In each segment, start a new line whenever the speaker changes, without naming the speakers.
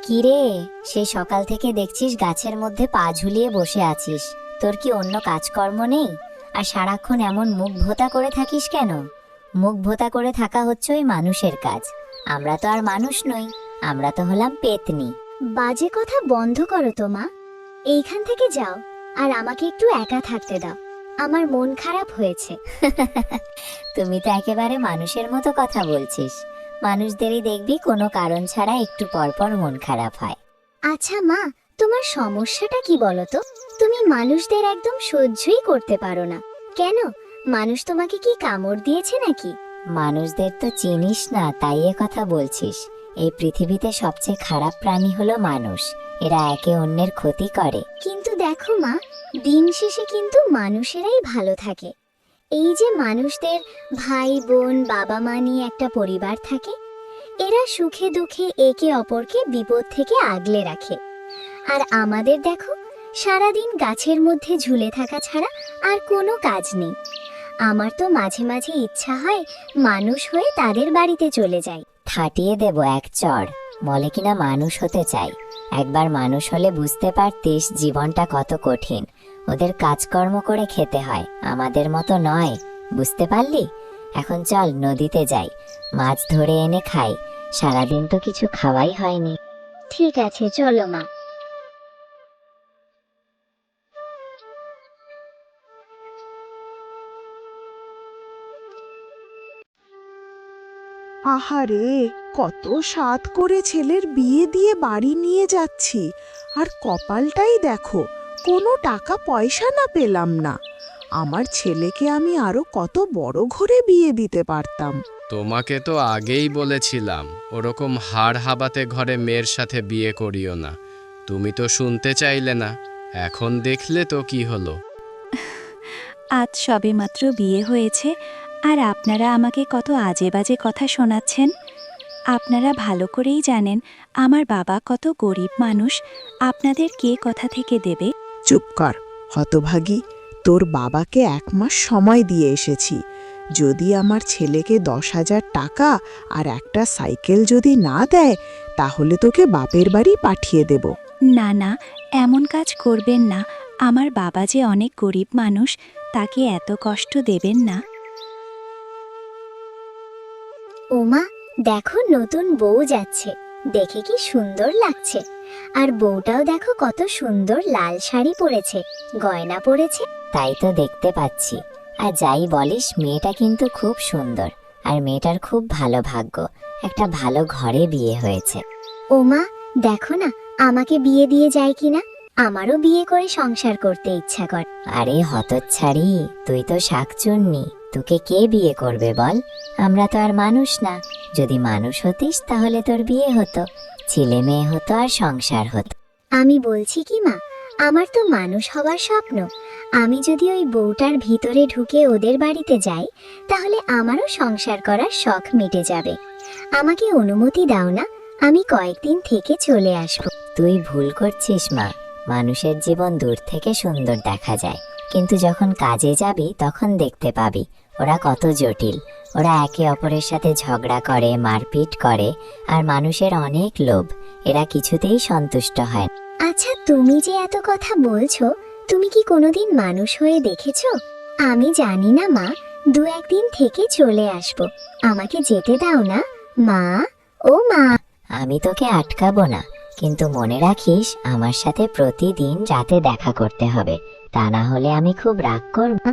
কি রে, সেই সকাল থেকে দেখছিস গাছের মধ্যে পা ঝুলিয়ে বসে আছিস। তোর কি অন্য কাজকর্ম নেই? আর সারাক্ষণ এমন মুখ ভোঁতা করে থাকিস কেন? মুখ ভোঁতা করে থাকা হচ্ছে ওই মানুষের কাজ। আমরা তো আর মানুষ নই, আমরা তো হলাম পেতনি।
বাজে কথা বন্ধ করো তো মা। এইখান থেকে যাও, আর আমাকে একটু একা থাকতে দাও। আমার মন খারাপ হয়েছে।
তুমি তো একেবারে মানুষের মতো কথা বলছিস। মানুষদেরই দেখবি কোনো কারণ ছাড়া একটু পরপর মন খারাপ হয়।
আচ্ছা মা, তোমার সমস্যাটা কি বলো তো? তুমি মানুষদের একদম সহ্যই করতে পারো না কেন? মানুষ তোমাকে কি কামড় দিয়েছে নাকি?
মানুষদের তো চিনিস না, তাই এ কথা বলছিস। এই পৃথিবীতে সবচেয়ে খারাপ প্রাণী হলো মানুষ। এরা একে অন্যের ক্ষতি করে।
কিন্তু দেখো মা, দিন শেষে কিন্তু মানুষেরাই ভালো থাকে। এই যে মানুষদের ভাই বোন বাবা মা নিয়ে একটা পরিবার থাকে, এরা সুখে দুঃখে একে অপরকে বিপদ থেকে আগলে রাখে। আর আমাদের দেখো, সারাদিন গাছের মধ্যে ঝুলে থাকা ছাড়া আর কোনো কাজ নেই। আমার তো মাঝে মাঝে ইচ্ছা হয় মানুষ হয়ে তাদের বাড়িতে চলে যাই।
থাটিয়ে দেব এক চড়, বলে কিনা মানুষ হতে চাই। একবার মানুষ হলে বুঝতে পারতিস জীবনটা কত কঠিন। ওদের কাজকর্ম করে খেতে হয়, আমাদের মতো নয়। বুঝতে পারলি? এখন চল নদীতে যাই, মাছ ধরে এনে খাই। সারাদিন তো কিছু খাওয়াই হয়নি।
ঠিক আছে, চলো মা।
আহারে, কত সাধ করে ছেলের বিয়ে দিয়ে বাড়ি নিয়ে যাচ্ছি, আর কপালটাই দেখো, কোনো টাকা পয়সা না পেলাম না। আমার ছেলেকে আমি আরো কত বড় ঘরে বিয়ে দিতে পারতাম।
তোমাকে তো আগেই বলেছিলাম ওরকম হাড় হাবাতে ঘরে মেয়ের সাথে বিয়ে করিও না। তুমি তো শুনতে চাইলে না। এখন দেখলে তো কি হলো।
আজ সবেমাত্র বিয়ে হয়েছে, আর আপনারা আমাকে কত আজে বাজে কথা শোনাচ্ছেন। আপনারা ভালো করেই জানেন আমার বাবা কত গরিব মানুষ। আপনাদের কে কথা থেকে দেবে?
চুপ কর হতভাগী, তোর বাবাকে 1 মাস সময় দিয়ে এসেছি। যদি আমার ছেলেকে 10,000 টাকা আর একটা সাইকেল যদি না দেয়, তাহলে তোকে বাপের বাড়ি পাঠিয়ে দেব।
না না, এমন কাজ করবেন না। আমার বাবা যে অনেক গরিব মানুষ, তাকে এত কষ্ট দেবেন না।
ওমা, দেখো নতুন বউ যাচ্ছে, দেখে কি সুন্দর লাগছে। আর বউটাও দেখো কত সুন্দর লাল শাড়ি পরেছে, গয়না পরেছে।
তাই তো দেখতে পাচ্ছি। আর যাই বলিস, মেয়েটা কিন্তু খুব সুন্দর। আর মেয়েটার খুব ভালো ভাগ্য, একটা ভালো ঘরে বিয়ে হয়েছে।
ওমা, দেখো না আমাকে বিয়ে দিয়ে যায় কিনা। আমারও বিয়ে করে সংসার করতে ইচ্ছা করে।
আরে হতচ্ছাড়ি, তুই তো শাকচুন্নি, তোকে কে বিয়ে করবে বল? আমরা তো আর মানুষ না। যদি মানুষ হতিস তাহলে তোর বিয়ে হতো, ছেলে মেয়ে হতো, আর সংসার হতো।
আমি বলছি কি মা, আমার তো মানুষ হওয়ার স্বপ্ন। আমি যদি ওই বউটার ভিতরে ঢুকে ওদের বাড়িতে যাই, তাহলে আমারও সংসার করার শখ মিটে যাবে। আমাকে অনুমতি দাও না, আমি কয়েকদিন থেকে চলে আসব।
তুই ভুল করছিস মা। মানুষের জীবন দূর থেকে সুন্দর দেখা যায়, কিন্তু যখন কাজে যাবি তখন দেখতে পাবি ওরা কত জটিল। ওরা একে অপরের সাথে ঝগড়া করে, মারপিট করে, আর মানুষের অনেক লোভ। এরা কিছুতেই সন্তুষ্ট হয় না।
আচ্ছা, তুমি যে এত কথা বলছো, তুমি কি কোনোদিন মানুষ হয়ে দেখেছো? আমি জানি না মা, 2-1 দিন থেকে চলে আসব। আমাকে যেতে দাও না মা। ও মা।
আমি তোকে আটকাবো না, কিন্তু মনে রাখিস আমার সাথে প্রতিদিন রাতে দেখা করতে হবে, তা না হলে আমি খুব রাগ করব।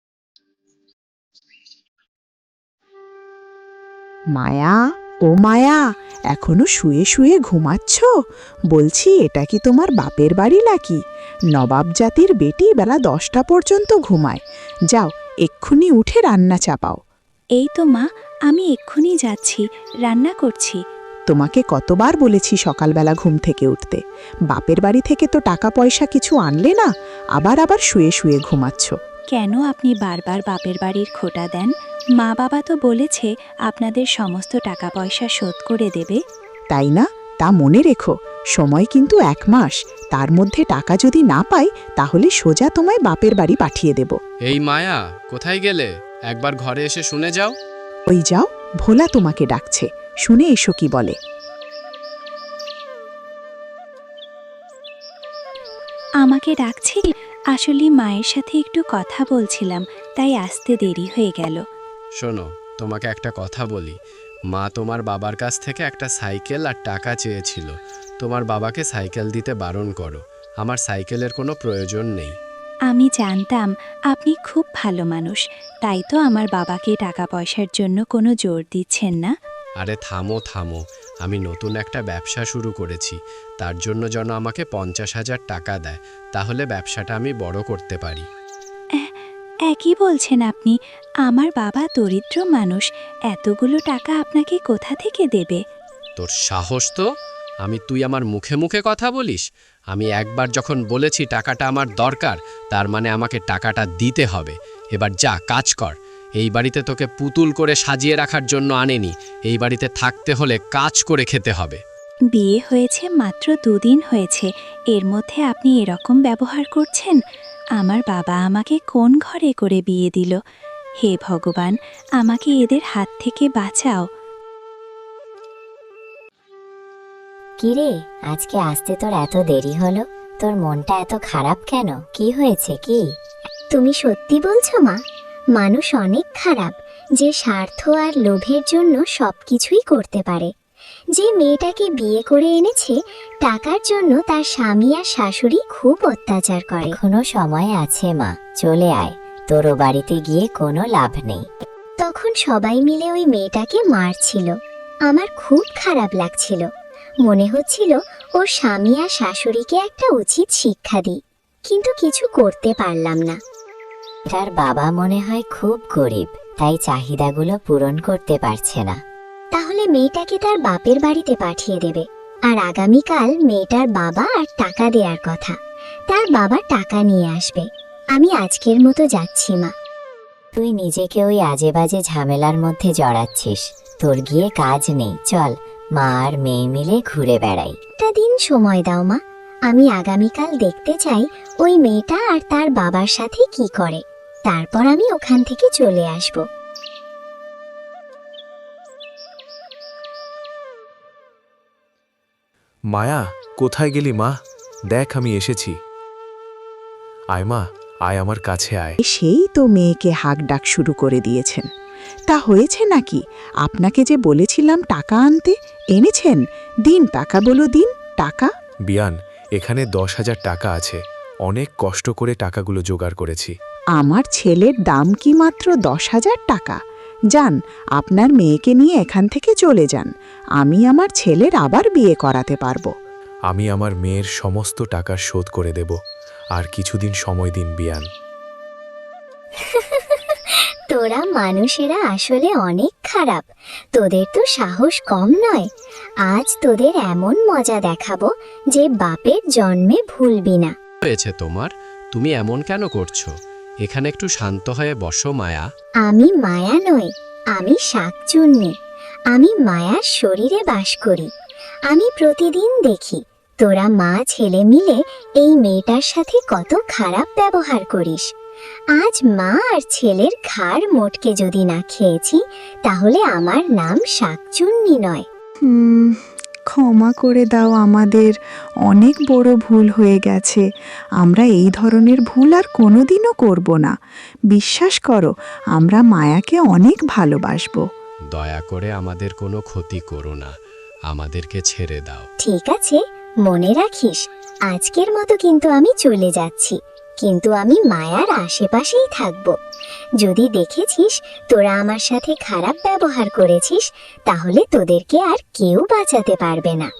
মায়া, ও মায়া, এখনো শুয়ে শুয়ে ঘুমাচ্ছ? বলছি, এটা কি তোমার বাপের বাড়ি নাকি? নবাব জাতির বেটি বেলা 10টা পর্যন্ত ঘুমায়। যাও, এক্ষুনি উঠে রান্না চাপাও।
এই তো মা, আমি এক্ষুনি যাচ্ছি, রান্না করছি।
তোমাকে কতবার বলেছি সকালবেলা ঘুম থেকে উঠতে। বাপের বাড়ি থেকে তো টাকা পয়সা কিছু আনলে না, আবার আবার শুয়ে শুয়ে ঘুমাচ্ছ।
কেন আপনি বারবার বাপের বাড়ির খোঁটা দেন? মা বাবা তো বলেছে আপনাদের সমস্ত টাকা পয়সা শোধ করে দেবে।
তাই না? তা মনে রেখো, সময় কিন্তু 1 মাস। তার মধ্যে টাকা যদি না পাই, তাহলে সোজা তোমায় বাপের বাড়ি পাঠিয়ে দেব।
এই মায়া, কোথায় গেলে? একবার ঘরে এসে শুনে যাও।
ওই যাও, ভোলা তোমাকে ডাকছে, শুনে এসো কি বলে।
আমাকে ডাকছে? আসলে মায়ের সাথে একটু কথা বলছিলাম, তাই আসতে দেরি হয়ে গেল।
শোনো, তোমাকে একটা কথা বলি। মা তোমার বাবার কাছ থেকে একটা সাইকেল আর টাকা চেয়েছিল। তোমার বাবাকে সাইকেল দিতে বারণ করো। আমার সাইকেলের কোনো প্রয়োজন নেই।
আমি জানতাম আপনি খুব ভালো মানুষ, তাই তো আমার বাবাকে টাকা পয়সার জন্য কোনো জোর দিচ্ছেন না।
আরে থামো থামো, আমি নতুন একটা ব্যবসা শুরু করেছি। তার জন্য যেন আমাকে 50,000 টাকা দেয়, তাহলে ব্যবসাটা আমি বড় করতে পারি।
একই বলছেন আপনি? আমার বাবা দরিদ্র মানুষ, এতগুলো টাকা আপনাকে কোথা থেকে দেবে?
তোর সাহস তো! তুই আমার মুখে মুখে কথা বলিস? আমি একবার যখন বলেছি টাকাটা আমার দরকার, তার মানে আমাকে টাকাটা দিতে হবে। এবার যা, কাজ কর। এই বাড়িতে তোকে পুতুল করে সাজিয়ে রাখার জন্য আনেনি। এই বাড়িতে থাকতে হলে কাজ করে খেতে হবে।
বিয়ে হয়েছে মাত্র 2 দিন হয়েছে, এর মধ্যে আপনি এরকম ব্যবহার করছেন? আমার বাবা আমাকে কোন ঘরে করে বিয়ে দিল? হে ভগবান, আমাকে এদের হাত থেকে বাঁচাও।
কিরে, আজকে আসতে তোর এত দেরি হলো? তোর মনটা এত খারাপ কেন? কি হয়েছে কি?
তুমি সত্যি বলছো মা? মানুষ অনেক খারাপ, যে স্বার্থ আর লোভের জন্য সবকিছুই করতে পারে। যে মেয়েটাকে বিয়ে করে এনেছে, টাকার জন্য তার স্বামী আর শাশুড়ি খুব অত্যাচার করে।
এখনো সময় আছে মা, চলে আয়। তোর ও বাড়িতে গিয়ে কোনো লাভ নেই।
তখন সবাই মিলে ওই মেয়েটাকে মারছিল। আমার খুব খারাপ লাগছিল। মনে হচ্ছিল ওর স্বামী আর শাশুড়িকে একটা উচিত শিক্ষা দিই, কিন্তু কিছু করতে পারলাম না।
তার বাবা মনে হয় খুব গরিব, তাই চাহিদাগুলো পূরণ করতে পারছে না।
তাহলে মেয়েটাকে তার বাপের বাড়িতে পাঠিয়ে দেবে, আর আগামীকাল মেয়েটার বাবা আর টাকা দেওয়ার কথা। তার বাবা টাকা নিয়ে আসবে। আমি আজকের মতো যাচ্ছি মা।
তুই নিজেকে ওই আজে বাজে ঝামেলার মধ্যে জড়াচ্ছিস। তোর গিয়ে কাজ নেই, চল মা আর মেয়ে মিলে ঘুরে বেড়াই।
একটা দিন সময় দাও মা, আমি আগামীকাল দেখতে চাই ওই মেয়েটা আর তার বাবার সাথে কি করে। তারপর আমি ওখান থেকে চলে আসব।
মায়া, কোথায় গেলি মা? দেখ, আমি এসেছি। আয় মা, আয় আমার কাছে আয়।
সেই তো মেয়েকে হাঁক ডাক শুরু করে দিয়েছেন। তা হয়েছে নাকি? আপনাকে যে বলেছিলাম টাকা আনতে, এনেছেন? দিন টাকা, বলো দিন টাকা।
বিয়ান, এখানে 10,000 টাকা আছে। অনেক কষ্ট করে টাকাগুলো জোগাড় করেছি।
আমার ছেলের দাম কি মাত্র 10,000 টাকা? যান, আপনার মেয়েকে নিয়ে এখান থেকে চলে যান। আমি আমার ছেলের আবার বিয়ে করাতে পারবো।
আমি আমার মেয়ের সমস্ত টাকা শোধ করে দেব। আর কিছুদিন সময় দিন বিয়ান।
তোরা মানুষেরা আসলে অনেক খারাপ। তোদের তো সাহস কম নয়। আজ তোদের এমন মজা দেখাবো যে বাপের জন্মে ভুলবি না।
হয়েছে তোমার? তুমি এমন কেন করছো? এখানে একটু শান্ত হয়ে বসো মায়া।
আমি মায়া নই, আমি শাকচুন্নি। আমি মায়ার শরীরে বাস করি। আমি প্রতিদিন দেখি তোরা মা ছেলে মিলে এই মেয়েটার সাথে কত খারাপ ব্যবহার করিস। আজ মা আর ছেলের ঘাড় মোটকে যদি না খেয়েছি, তাহলে আমার নাম শাকচুন্নি নয়।
ক্ষমা করে দাও, আমাদের অনেক বড় ভুল হয়ে গেছে। আমরা এই ধরনের ভুল আর কোনোদিনও করব না। বিশ্বাস করো, আমরা মায়াকে অনেক ভালোবাসবো।
দয়া করে আমাদের কোনো ক্ষতি করো না, আমাদেরকে ছেড়ে দাও।
ঠিক আছে, মনে রাখিস, আজকের মতো কিন্তু আমি চলে যাচ্ছি, কিন্তু আমি মায়ার আশেপাশেই থাকব। যদি দেখেছিস তোরা আমার সাথে খারাপ ব্যবহার করেছিস, তাহলে তোদেরকে আর কেউ বাঁচাতে পারবে না।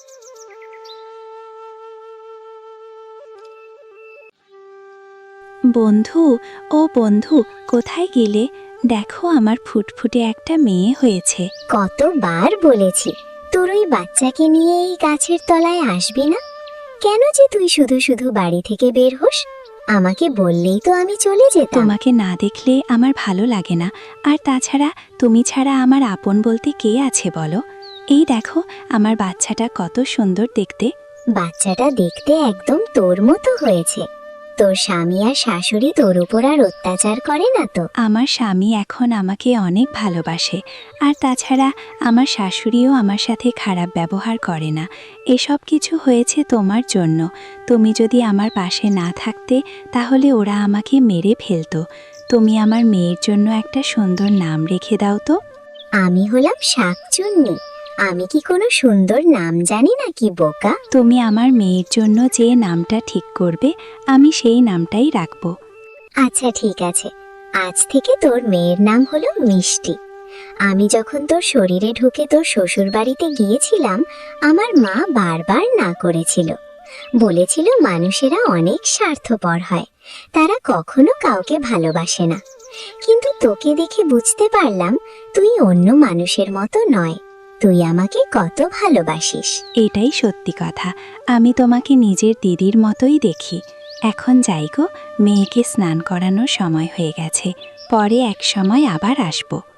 বন্ধু, ও বন্ধু, কোথায় গেলে? দেখো, আমার ফুটফুটে একটা মেয়ে হয়েছে।
কতবার বলেছি তোর ওই বাচ্চাকে নিয়ে এই গাছের তলায় আসবি না। কেন যে তুই শুধু শুধু বাড়ি থেকে বের হোস? আমাকে বললেই তো আমি চলে যেতাম।
তোমাকে না দেখলে আমার ভালো লাগে না, আর তাছাড়া তুমি ছাড়া আমার আপন বলতে কে আছে বলো? এই দেখো, আমার বাচ্চাটা কত সুন্দর দেখতে।
বাচ্চাটা দেখতে একদম তোর মতো হয়েছে। তোর স্বামী আর শাশুড়ি তোর উপর আর অত্যাচার করে না তো?
আমার স্বামী এখন আমাকে অনেক ভালোবাসে, আর তাছাড়া আমার শাশুড়িও আমার সাথে খারাপ ব্যবহার করে না। এসব কিছু হয়েছে তোমার জন্য। তুমি যদি আমার পাশে না থাকতে তাহলে ওরা আমাকে মেরে ফেলতো। তুমি আমার মেয়ের জন্য একটা সুন্দর নাম রেখে দাও তো।
আমি হলাম শাকচুন্নি, আমি কি কোনো সুন্দর নাম জানি নাকি বোকা?
তুমি আমার মেয়ের জন্য যে নামটা ঠিক করবে আমি সেই নামটাই রাখবো।
আচ্ছা ঠিক আছে, আজ থেকে তোর মেয়ের নাম হলো মিষ্টি। আমি যখন তোর শরীরে ঢুকে তোর শ্বশুর বাড়িতে গিয়েছিলাম, আমার মা বারবার না করেছিল, বলেছিল মানুষেরা অনেক স্বার্থপর হয়, তারা কখনো কাউকে ভালোবাসে না। কিন্তু তোকে দেখে বুঝতে পারলাম তুই অন্য মানুষের মতো নয়, তুই আমাকে কত ভালোবাসিস।
এটাই সত্যি কথা, আমি তোমাকে নিজের দিদির মতোই দেখি। এখন যাই গো, মেয়েকে স্নান করানোর সময় হয়ে গেছে, পরে এক সময় আবার আসবো।